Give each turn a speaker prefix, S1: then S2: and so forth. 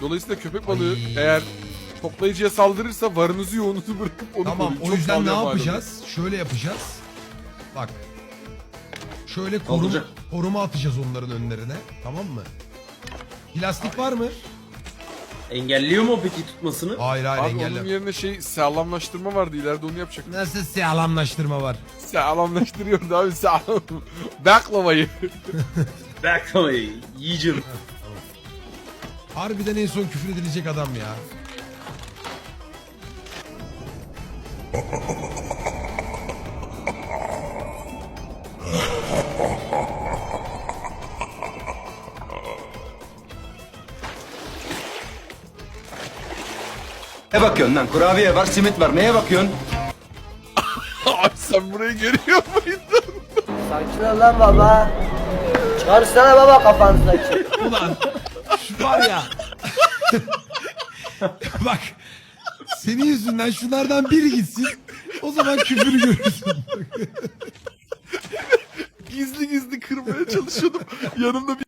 S1: Dolayısıyla köpek balığı eğer toplayıcıya saldırırsa varınızı yoğunuzu bırakıp onu
S2: Tamam
S1: koruyun.
S2: o
S1: Çok
S2: yüzden ne
S1: sağlam
S2: yapacağız? Şöyle yapacağız. Bak. Şöyle
S3: Kaldıracak.
S2: koruma atacağız onların önlerine. Tamam mı? Plastik var mı?
S3: Engelliyor mu peki tutmasını?
S2: Hayır hayır
S1: Abi onun
S2: engellem.
S1: yerine sağlamlaştırma vardı, ileride onu yapacak.
S2: Nasıl sağlamlaştırma var?
S1: Sağlamlaştırıyordu abi, sağlam. Baklavayı.
S3: Baklamayı yiyeceğim.
S2: Harbiden en son küfür edilecek adam ya.
S4: Ne bakıyorsun lan? Kurabiye var, simit var. Neye bakıyorsun?
S1: Abi sen burayı görüyor muydun?
S5: Sakin ol lan baba. Çıkarsana baba kafanızdaki.
S2: Ulan şu var ya. Bak. Senin yüzünden şunlardan biri gitsin. O zaman küfürü görürsün.
S1: Gizli gizli kırmaya çalışıyordum. Yanımda bir